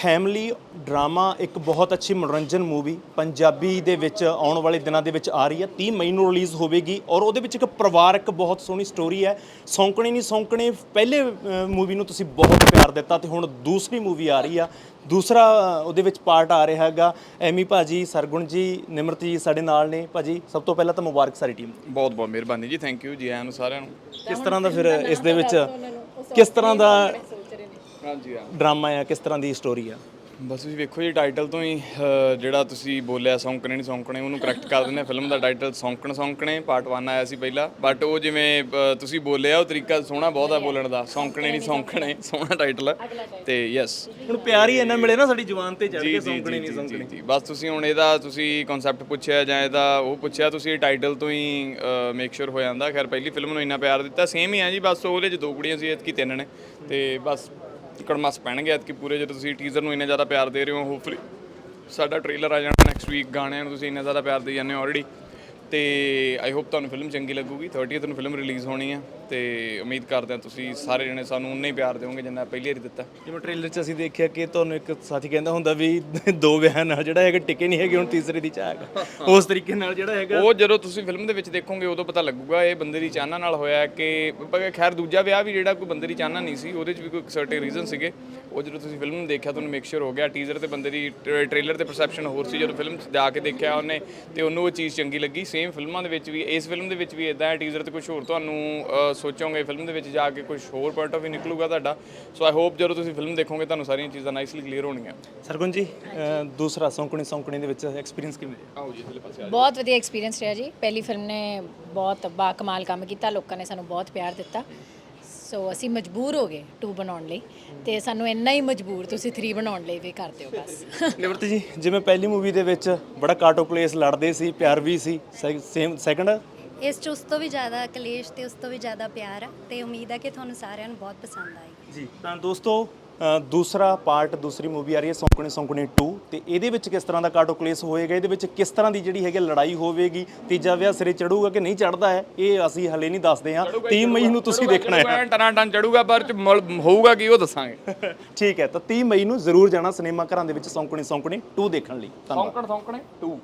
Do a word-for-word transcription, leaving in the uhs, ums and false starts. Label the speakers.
Speaker 1: Family drama ਇੱਕ ਬਹੁਤ ਅੱਛੀ ਮਨੋਰੰਜਨ ਮੂਵੀ ਪੰਜਾਬੀ ਦੇ ਵਿੱਚ ਆਉਣ ਵਾਲੇ ਦਿਨਾਂ ਦੇ ਵਿੱਚ ਆ ਰਹੀ ਹੈ। ਤੀਹ ਮਈ ਨੂੰ ਰਿਲੀਜ਼ ਹੋਵੇਗੀ ਔਰ ਉਹਦੇ ਵਿੱਚ ਇੱਕ ਪਰਿਵਾਰਕ ਬਹੁਤ ਸੋਹਣੀ ਸਟੋਰੀ ਹੈ। ਸੌਂਕਣੇ ਨਹੀਂ ਸੌਂਕਣੇ ਪਹਿਲੇ ਮੂਵੀ ਨੂੰ ਤੁਸੀਂ ਬਹੁਤ ਪਿਆਰ ਦਿੱਤਾ ਤੇ ਹੁਣ ਦੂਸਰੀ ਮੂਵੀ ਆ ਰਹੀ ਆ। ਦੂਸਰਾ ਉਹਦੇ ਵਿੱਚ ਪਾਰਟ ਆ ਰਿਹਾ ਹੈਗਾ। ਐਮੀ ਭਾਜੀ, ਸਰਗੁਣ ਜੀ, ਨਿਮਰਤ ਜੀ ਸਾਡੇ ਨਾਲ ਨੇ। ਭਾਜੀ ਸਭ ਤੋਂ ਪਹਿਲਾਂ ਤਾਂ ਮੁਬਾਰਕ ਸਾਰੀ ਟੀਮ ਨੂੰ।
Speaker 2: ਬਹੁਤ ਬਹੁਤ ਮਿਹਰਬਾਨੀ ਜੀ, ਥੈਂਕ ਯੂ ਜੀ ਆਇਆਂ ਨੂੰ ਸਾਰਿਆਂ ਨੂੰ।
Speaker 1: ਕਿਸ ਤਰ੍ਹਾਂ ਦਾ ਫਿਰ ਇਸ ਦੇ ਵਿੱਚ ਕਿਸ ਤਰ੍ਹਾਂ ਦਾ
Speaker 2: ਹਾਂਜੀ ਹਾਂ,
Speaker 1: ਡਰਾਮਾ ਆ, ਕਿਸ ਤਰ੍ਹਾਂ ਦੀ ਸਟੋਰੀ ਆ?
Speaker 2: ਬਸ ਤੁਸੀਂ ਵੇਖੋ ਜੀ ਟਾਈਟਲ ਤੋਂ ਹੀ ਅਹ, ਜਿਹੜਾ ਤੁਸੀਂ ਬੋਲਿਆ ਸੌਂਕਣੇ ਨਹੀਂ ਸੌਂਕਣੇ, ਉਹਨੂੰ ਕਰੈਕਟ ਕਰ ਦਿੰਦੇ। ਫਿਲਮ ਦਾ title Saunkan Saunkne part one ਆਇਆ ਸੀ ਪਹਿਲਾਂ, ਬਟ ਉਹ ਜਿਵੇਂ ਅਹ, ਤੁਸੀਂ ਬੋਲਿਆ ਉਹ ਤਰੀਕਾ ਸੋਹਣਾ ਬਹੁਤ ਆ ਬੋਲਣ ਦਾ। ਸੌਂਕਣੇ ਨਹੀਂ ਸੌਂਕਣੇ ਸੋਹਣਾ ਟਾਈਟਲ ਹੈ ਤੇ ਯੈਸ
Speaker 1: ਹੁਣ ਪਿਆਰ ਹੀ ਇੰਨਾ ਮਿਲੇ ਨਾ ਸਾਡੀ ਜ਼ੁਬਾਨ ਤੇ ਚੜ
Speaker 2: ਜੀ
Speaker 1: ਕੇ,
Speaker 2: ਜੀ
Speaker 1: ਸੌਂਕਣੇ
Speaker 2: ਜੀ
Speaker 1: ਨਹੀਂ
Speaker 2: ਜੀ
Speaker 1: ਸੌਂਕਣੇ।
Speaker 2: ਜੀ ਬਸ ਤੁਸੀਂ ਹੁਣ ਇਹਦਾ ਤੁਸੀਂ ਕਨਸੈਪਟ ਪੁੱਛਿਆ ਜਾਂ ਇਹਦਾ ਉਹ ਪੁੱਛਿਆ, ਤੁਸੀਂ ਟਾਈਟਲ ਤੋਂ ਹੀ ਮੇਕ ਸ਼ੋਰ ਹੋ ਜਾਂਦਾ। ਖੈਰ ਪਹਿਲੀ ਫਿਲਮ ਨੂੰ ਇੰਨਾ ਪਿਆਰ ਦਿੱਤਾ, ਸੇਮ ਹੀ ਆ ਜੀ। ਬਸ ਉਹਦੇ 'ਚ ਦੋ ਕੁੜੀਆਂ ਸੀ, ਐਤਕੀ ਤਿੰਨ ਨੇ ਤੇ ਬਸ ਕੜਮਸ ਪੈਣਗੇ ਐਤਕੀ ਪੂਰੇ। ਜਦੋਂ ਤੁਸੀਂ ਟੀਜ਼ਰ ਨੂੰ ਇੰਨਾ ਜ਼ਿਆਦਾ ਪਿਆਰ ਦੇ ਰਹੇ ਹੋ, ਹੋਪਫੁਲੀ ਸਾਡਾ ਟ੍ਰੇਲਰ ਆ ਜਾਣਾ ਨੈਕਸਟ ਵੀਕ। ਗਾਣਿਆਂ ਨੂੰ ਤੁਸੀਂ ਇੰਨਾ ਜ਼ਿਆਦਾ ਪਿਆਰ ਦੇ ਜਾਂਦੇ ਹੋ ਆਲਰੇਡੀ, ਤੇ ਆਈ ਹੋਪ ਤੁਹਾਨੂੰ ਫਿਲਮ ਚੰਗੀ ਲੱਗੂਗੀ। ਥਰਟੀਥ ਨੂੰ ਫਿਲਮ ਰਿਲੀਜ਼ ਹੋਣੀ ਆ ਤੇ ਉਮੀਦ ਕਰਦੇ ਹਾਂ ਤੁਸੀਂ ਸਾਰੇ ਜਣੇ ਸਾਨੂੰ ਉਨਾ ਹੀ ਪਿਆਰ ਦਿਓਗੇ ਜਿੰਨਾ ਪਹਿਲੀ ਵਾਰੀ ਦਿੱਤਾ।
Speaker 1: ਜਿਵੇਂ ਟ੍ਰੇਲਰ 'ਚ ਅਸੀਂ ਦੇਖਿਆ ਕਿ ਤੁਹਾਨੂੰ ਇੱਕ ਸਾਥੀ ਕਹਿੰਦਾ ਹੁੰਦਾ ਵੀ ਦੋ ਵਿਆਹ ਨਾਲ ਜਿਹੜਾ ਹੈਗਾ ਟਿਕੇ ਨਹੀਂ ਹੈਗੇ, ਹੁਣ ਤੀਸਰੇ ਦੀ ਚਾਹ ਹੈਗਾ। ਉਸ ਤਰੀਕੇ ਨਾਲ ਜਿਹੜਾ ਹੈਗਾ
Speaker 2: ਉਹ ਜਦੋਂ ਤੁਸੀਂ ਫਿਲਮ ਦੇ ਵਿੱਚ ਦੇਖੋਗੇ ਉਦੋਂ ਪਤਾ ਲੱਗੂਗਾ ਇਹ ਬੰਦੇ ਦੀ ਚਾਹਨਾ ਨਾਲ ਹੋਇਆ ਕਿ ਖੈਰ ਦੂਜਾ ਵਿਆਹ ਵੀ ਜਿਹੜਾ ਕੋਈ ਬੰਦੇ ਦੀ ਚਾਹਨਾ ਨਹੀਂ ਸੀ, ਉਹਦੇ 'ਚ ਵੀ ਕੋਈ ਸਰਟੇ ਰੀਜ਼ਨ ਸੀਗੇ। ਉਹ ਜਦੋਂ ਤੁਸੀਂ ਫਿਲਮ ਨੂੰ ਦੇਖਿਆ ਤੁਹਾਨੂੰ ਮੇਕ ਸ਼ੋਰ ਹੋ ਗਿਆ। ਟੀਜ਼ਰ ਤੇ ਬੰਦੇ ਦੀ ਟ੍ਰੇਲਰ ਤੇ ਪਰਸੈਪਸ਼ਨ ਹੋਰ ਸੀ, ਜਦੋਂ ਫਿਲਮ 'ਚ ਜਾ ਕੇ ਦੇਖਿਆ ਉਹਨੇ ਤੇ ਉਹਨੂੰ ਉਹ ਚੀਜ਼ ਚੰਗੀ ਲੱਗੀ। ਸੇਮ ਫਿਲਮਾਂ ਦੇ ਵਿੱਚ ਵੀ, ਇਸ ਫਿਲਮ ਦੇ ਵਿੱਚ ਵੀ ਇਦਾਂ ਹੈ। ਟੀਜ਼ਰ ਤੇ ਕੁਝ ਹੋਰ ਤੁਹਾਨੂੰ ਸੋਚੋਗੇ, ਫਿਲਮ ਦੇ ਵਿੱਚ ਜਾ ਕੇ ਕੁਝ ਹੋਰ ਪੁਆਇੰਟ ਆਫ ਵੀ ਨਿਕਲੂਗਾ ਤੁਹਾਡਾ। ਸੋ ਆਈ ਹੋਪ ਜਦੋਂ ਤੁਸੀਂ ਫਿਲਮ ਦੇਖੋਗੇ ਤੁਹਾਨੂੰ ਸਾਰੀਆਂ ਚੀਜ਼ਾਂ ਨਾਈਸਲੀ ਕਲੀਅਰ ਹੋਣਗੀਆਂ।
Speaker 1: ਸਰਗੁਣ ਜੀ, ਅਹ ਦੂਸਰਾ ਸੌਂਕਣੀ ਸੌਂਕਣੀ ਦੇ ਵਿੱਚ ਐਕਸਪੀਰੀਅੰਸ ਕਿਵੇਂ ਰਿਹਾ?
Speaker 2: ਆਓ ਜੀ ਇਧਰਲੇ ਪਾਸੇ।
Speaker 3: ਬਹੁਤ ਵਧੀਆ ਐਕਸਪੀਰੀਅੰਸ ਰਿਹਾ ਜੀ। ਪਹਿਲੀ ਫਿਲਮ ਨੇ ਬਹੁਤ ਬਾ ਕਮਾਲ ਕੰਮ ਕੀਤਾ, ਲੋਕਾਂ ਨੇ ਸਾਨੂੰ ਬਹੁਤ ਪਿਆਰ ਦਿੱਤਾ। ਸੋ ਅਸੀਂ ਮਜਬੂਰ ਹੋ ਗਏ ਟੂ ਬਣਾਉਣ ਲਈ, ਤੇ ਸਾਨੂੰ ਇੰਨਾ ਹੀ ਮਜਬੂਰ ਤੁਸੀਂ ਥਰੀ ਬਣਾਉਣ ਲਈ ਵੀ ਕਰ ਦਿਓ ਬਸ।
Speaker 1: ਨਿਵਰਤ ਜੀ, ਜਿਵੇਂ ਪਹਿਲੀ ਮੂਵੀ ਦੇ ਵਿੱਚ ਬੜਾ ਕਾਟੋ ਕਲੇਸ਼ ਲੜਦੇ ਸੀ, ਪਿਆਰ ਵੀ ਸੀ, ਸੇਮ ਸੈਕੰਡ
Speaker 4: ਇਸ 'ਚ ਉਸ ਤੋਂ ਵੀ ਜ਼ਿਆਦਾ ਕਲੇਸ਼ ਤੇ ਉਸ ਤੋਂ ਵੀ ਜ਼ਿਆਦਾ ਪਿਆਰ ਆ, ਤੇ ਉਮੀਦ ਹੈ ਕਿ ਤੁਹਾਨੂੰ ਸਾਰਿਆਂ ਨੂੰ ਬਹੁਤ ਪਸੰਦ ਆਏਗੀ
Speaker 1: ਜੀ। ਤਾਂ ਦੋਸਤੋ, ਅ, ਦੂਸਰਾ ਪਾਰਟ, ਦੂਸਰੀ ਮੂਵੀ ਆ ਰਹੀ ਹੈ ਸੌਂਕਣੀ ਸੌਂਕਣੀ ਟੂ, ਤੇ ਇਹਦੇ ਵਿੱਚ ਕਿਸ ਤਰ੍ਹਾਂ ਦਾ ਕਾਟੋ ਕਲੇਸ਼ ਹੋਏਗਾ, ਇਹਦੇ ਵਿੱਚ ਕਿਸ ਤਰ੍ਹਾਂ ਦੀ ਜਿਹੜੀ ਹੈਗੀ ਲੜਾਈ ਹੋਵੇਗੀ, ਤੀਜਾ ਵਿਆਹ ਸਿਰੇ ਚੜੂਗਾ ਕਿ ਨਹੀਂ ਚੜਦਾ ਹੈ, ਇਹ ਅਸੀਂ ਹਲੇ ਨਹੀਂ ਦੱਸਦੇ ਹਾਂ। ਤੀਹ ਮਈ ਨੂੰ ਤੁਸੀਂ ਦੇਖਣਾ ਹੈ।
Speaker 2: ਟਰਾਂ ਟਨ ਚੜੂਗਾ ਪਰ ਹੋਊਗਾ ਕੀ ਉਹ ਦੱਸਾਂਗੇ।
Speaker 1: ਠੀਕ ਹੈ, ਤਾਂ ਤੀਹ ਮਈ ਨੂੰ ਜ਼ਰੂਰ ਜਾਣਾ ਸਿਨੇਮਾ ਘਰਾਂ ਦੇ ਵਿੱਚ ਸੌਂਕਣੀ ਸੌਂਕਣੀ ਟੂ ਦੇਖਣ ਲਈ। ਧੰਨਵਾਦ।
Speaker 2: ਸੌਂਕਣ ਸੌਂਕਣੇ ਟੂ